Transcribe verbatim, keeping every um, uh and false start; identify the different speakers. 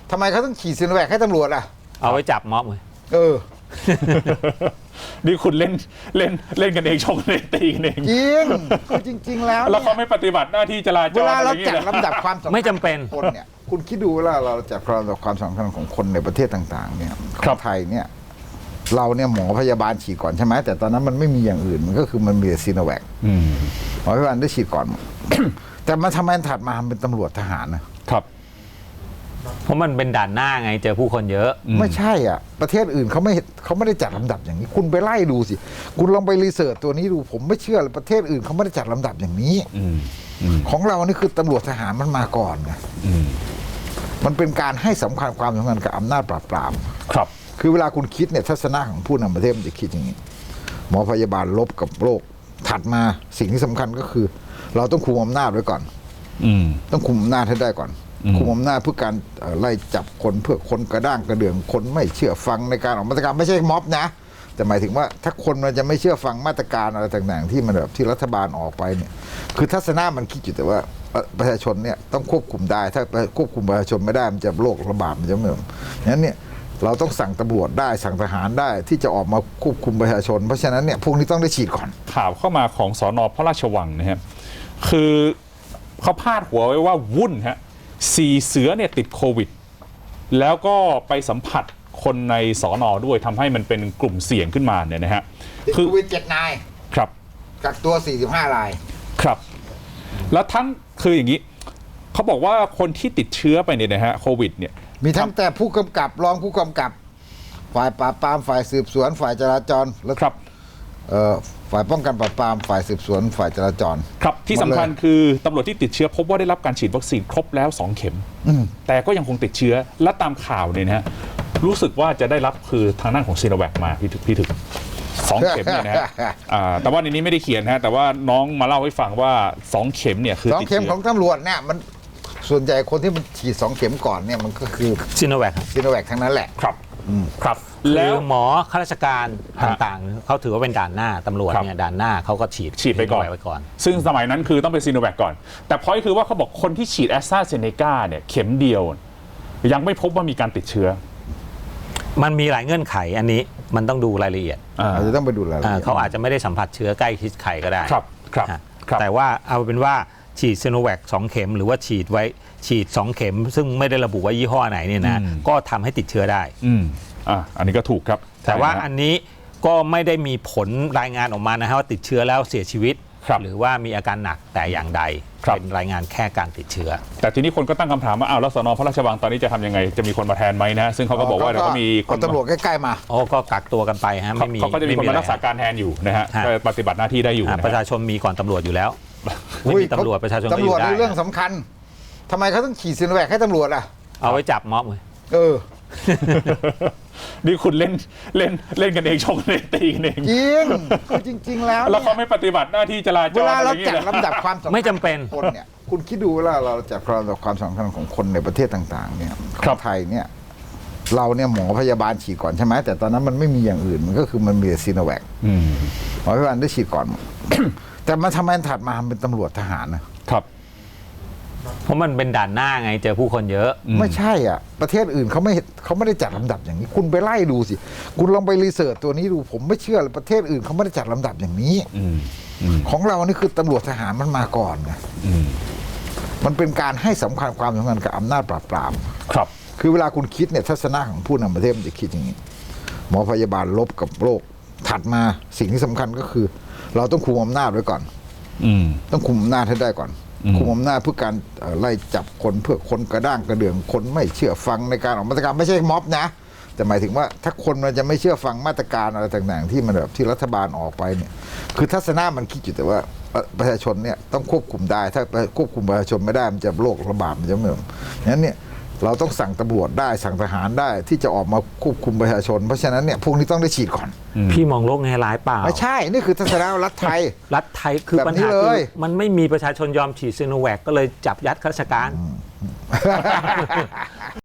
Speaker 1: ทำไมเขาต้องฉีดซีโนแวคให้ตำรวจอ่ะ
Speaker 2: เอาไว้จับม็อบเลย
Speaker 1: เออ
Speaker 3: นี่คุณเล่นเล่นเล่นกันเองชงกันเองตีกันเอง
Speaker 1: จริงคือจริงๆแล้ว
Speaker 3: แล้วเขาไม่ปฏิบัติหน้าที่จราจร
Speaker 1: เวลาเราจัดลำดับความสำคัญ
Speaker 2: ไม่จำเป็น
Speaker 1: คนเนี่ยคุณคิดดูเวลาเราจัดลำดับความสำคัญของคนในประเทศต่างๆเนี่ยของไทยเนี่ยเราเนี่ยหมอพยาบาลฉีดก่อนใช่ไหมแต่ตอนนั้นมันไม่มีอย่างอื่นมันก็คือมันมีซีโนแวคหมอพยาบาลได้ฉีดก่อน แต่มันทำไมถัดมาเป็นตำรวจทหารนะครับ
Speaker 2: เพราะมันเป็นด่านหน้าไงเจอผู้คนเยอะ
Speaker 1: ไม่ใช่อ่ะประเทศอื่นเขาไม่เขาไม่ได้จัดลำดับอย่างนี้คุณไปไล่ดูสิคุณลองไปรีเสิร์ชตัวนี้ดูผมไม่เชื่อเลยประเทศอื่นเขาไม่ได้จัดลำดับอย่างนี้ของเรานี่คือตำรวจทหารมันมาก่อนไงมันเป็นการให้สำคัญความสำคัญกับอำนาจปราบปราม
Speaker 3: ครับ
Speaker 1: คือเวลาคุณคิดเนี่ยทัศนะของผู้นำประเทศมันจะคิดอย่างนี้หมอพยาบาลลบกับโรคถัดมาสิ่งที่สำคัญก็คือ เราต้องคุมอำนาจไว้ก่อนต้องคุมอำนาจให้ได้ก่อนคุมอำนาจเพื่อการไล่จับคนเพื่อคนกระด้างกระเดื่องคนไม่เชื่อฟังในการออกมาตรการไม่ใช่ม็อบนะแต่หมายถึงว่าถ้าคนมันจะไม่เชื่อฟังมาตรการอะไรต่างๆที่มันแบบที่รัฐบาลออกไปเนี่ยคือทัศนะมันคิดอยู่แต่ว่าประชาชนเนี่ยต้องควบคุมได้ถ้าควบคุมประชาชนไม่ได้มันจะโรคระบาดมันจะเหมือนนั้นเนี่ยเราต้องสั่งตำรวจได้สั่งทหารได้ที่จะออกมาควบคุมประชาชนเพราะฉะนั้นเนี่ยพวกนี้ต้องได้ฉีดก่อน
Speaker 3: ข่าวเข้ามาของสน.พระราชวังนะครับคือเขาพาดหัวไว้ว่าวุ่นฮะสี่เสือเนี่ยติดโควิดแล้วก็ไปสัมผัสคนในสน.ด้วยทำให้มันเป็นกลุ่มเสี่ยงขึ้นมาเนี่ยนะฮะ
Speaker 1: คือโควิดเจ็ดนาย
Speaker 3: ครับ
Speaker 1: กักตัวสี่สิบห้าราย
Speaker 3: ครับแล้วทั้งคืออย่างนี้เขาบอกว่าคนที่ติดเชื้อไปเนี่ยนะฮะโควิดเนี่ย
Speaker 1: มีทั้งแต่ผู้กำกับรองผู้กำกับฝ่ายปราบปรามฝ่ายสืบสวนฝ่ายจราจรแล้ว
Speaker 3: ครับ
Speaker 1: ฝ่ายป้องกันปราบปรามฝ่ายสืบสวนฝ่ายจราจร
Speaker 3: ครับที่สำคัญคือตำรวจที่ติดเชื้อพบว่าได้รับการฉีดวัคซีนครบแล้วสองเข็มแต่ก็ยังคงติดเชื้อและตามข่าวเนี่ยนะฮะรู้สึกว่าจะได้รับคือทางด้านของซีโนแวคมาพี่ถึกพี่ถึกสองเข็มเนี่ยนะฮะแต่ว่าในนี้ไม่ได้เขียนฮะแต่ว่าน้องมาเล่าให้ฟังว่าสองเข็มเนี่ยคือ
Speaker 1: สองเข็มของตำรวจเนี่ยมันส่วนใหญ่คนที่มันฉีดสองเข็มก่อนเนี่ยมันก็คือ
Speaker 2: ซีโนแวค
Speaker 1: ซีโนแวคทั้งนั้นแหละ
Speaker 3: ครับครับ
Speaker 2: แล้วหมอข้าราชการต่างๆเขาถือว่าเป็นด่านหน้าตำรวจเนี่ยด่านหน้าเขาก็ฉีด
Speaker 3: ฉีดไปก่อน
Speaker 2: ไปก่อน
Speaker 3: ซึ่งสมัยนั้นคือต้องเป็นซีโนแวคก่อนแต่พอยคือว่าเขาบอกคนที่ฉีดแอสตราเซเนกาเนี่ยเข็มเดียวยังไม่พบว่ามีการติดเชื้อ
Speaker 2: มันมีหลายเงื่อนไขอันนี้มันต้องดูรายละเอียด
Speaker 1: อาจจะต้องไปดูรายละเอียด
Speaker 2: เขาอาจจะไม่ได้สัมผัสเชื้อใกล้ชิดใครก็ได้
Speaker 3: ครับครับ
Speaker 2: แต่ว่าเอาเป็นว่าฉีดซีโนแวคสองเข็มหรือว่าฉีดไว้ฉีดสองเข็มซึ่งไม่ได้ระบุว่ายี่ห้อไหนเนี่ยนะก็ทำให้ติดเชื้อได้
Speaker 3: อืมอ่าอันนี้ก็ถูกครับ
Speaker 2: แต่ว่าอันนี้ก็ไม่ได้มีผลรายงานออกมานะฮะว่าติดเชื้อแล้วเสียชีวิตหรือว่ามีอาการหนักแต่อย่างใดเป็นรายงานแค่การติดเชื้อ
Speaker 3: แต่ทีนี้คนก็ตั้งคำถามว่าอ้าวแล้วสน.พระราชวังตอนนี้จะทำยังไงจะมีคนมาแทนไหมนะซึ่งเขาก็บอกว่าเดี๋ยวก็มี
Speaker 1: คนตำรวจใกล้ๆมา
Speaker 2: โอ้ก็กักตัวกันไปฮะไม่มี
Speaker 3: เขาก็จะมีคนมารักษาการแทนอยู่นะฮะปฏิบัติหน้าที่ได้อยู่
Speaker 2: ประชาชนมีก่อนตำรวจอยู่แล้วไม่มีตำรวจประชาชนก็อยู่ได้
Speaker 1: ตำรวจเรื่องสำคัญทำไมเขาต้องฉีดซีโนแวคให้ตำรวจอ่ะ
Speaker 2: เอาไว้จับม็อบเลย
Speaker 1: เออ
Speaker 3: นี่คุณเล่นเล่นเล่นกันเองชงกันเองตีกันเอง
Speaker 1: จริงคือจริงๆแล้ว
Speaker 3: แล้วเขาไม่ปฏิบัติหน้าที่จราจร
Speaker 1: เวลาเราจัดลำดับความสำคัญ
Speaker 2: ไม่จำเป็น
Speaker 1: คนเนี่ยคุณคิดดูเวลาเราจัดลำดับความสำคัญของคนในประเทศต่างๆเนี่ยของไทยเนี่ยเราเนี่ยหมอพยาบาลฉีดก่อนใช่ไหมแต่ตอนนั้นมันไม่มีอย่างอื่นมันก็คือมันมีซีโนแวคหมอพยาบาลได้ฉีดก่อน แต่มันทำไมถัดมาเป็นตำรวจทหาร
Speaker 3: นะครับ
Speaker 2: เพราะมันเป็นด่านหน้าไงเจอผู้คนเยอะ
Speaker 1: ไม่ใช่อ่ะประเทศอื่นเขาไม่เขาไม่ได้จัดลำดับอย่างนี้คุณไปไล่ดูสิคุณลองไปรีเสิร์ชตัวนี้ดูผมไม่เชื่อเลยประเทศอื่นเขาไม่ได้จัดลำดับอย่างนี้ของเรานี่คือตำรวจทหารมันมาก่อนไงมันเป็นการให้สำคัญความสำคัญกับอำนาจปราบปราม
Speaker 3: ครับ
Speaker 1: คือเวลาคุณคิดเนี่ยทัศนะของผู้นำประเทศมันจะคิดอย่างนี้หมอพยาบาลลบกับโรคถัดมาสิ่งที่สำคัญก็คือ เราต้องคุมอำนาจไว้ก่อนต้องคุมอำนาจให้ได้ก่อนคุมอำนาจเพื่อการไล่จับคนเพื่อคนกระด้างกระเดื่องคนไม่เชื่อฟังในการออกมาตรการไม่ใช่ม็อบนะแต่หมายถึงว่าถ้าคนมันจะไม่เชื่อฟังมาตรการอะไรต่างๆที่มันแบบที่รัฐบาลออกไปเนี่ยคือทัศนะมันคิดอยู่แต่ว่าประชาชนเนี่ยต้องควบคุมได้ถ้าควบคุมประชาชนไม่ได้มันจะโรคระบาดมันจะเหมือนนั้นเนี่ยเราต้องสั่งตำรวจได้สั่งทหารได้ที่จะออกมาควบคุมประชาชนเพราะฉะนั้นเนี่ยพวกนี้ต้องได้ฉีดก่อน
Speaker 2: พี่มองโลกในร้ายเปล่า
Speaker 1: ไม่ใช่นี่คือทัศนะรัฐไทย
Speaker 2: รัฐไทยคือปัญหาคือมันไม่มีประชาชนยอมฉีดซีโนแวคก็เลยจับยัดข้าราชการ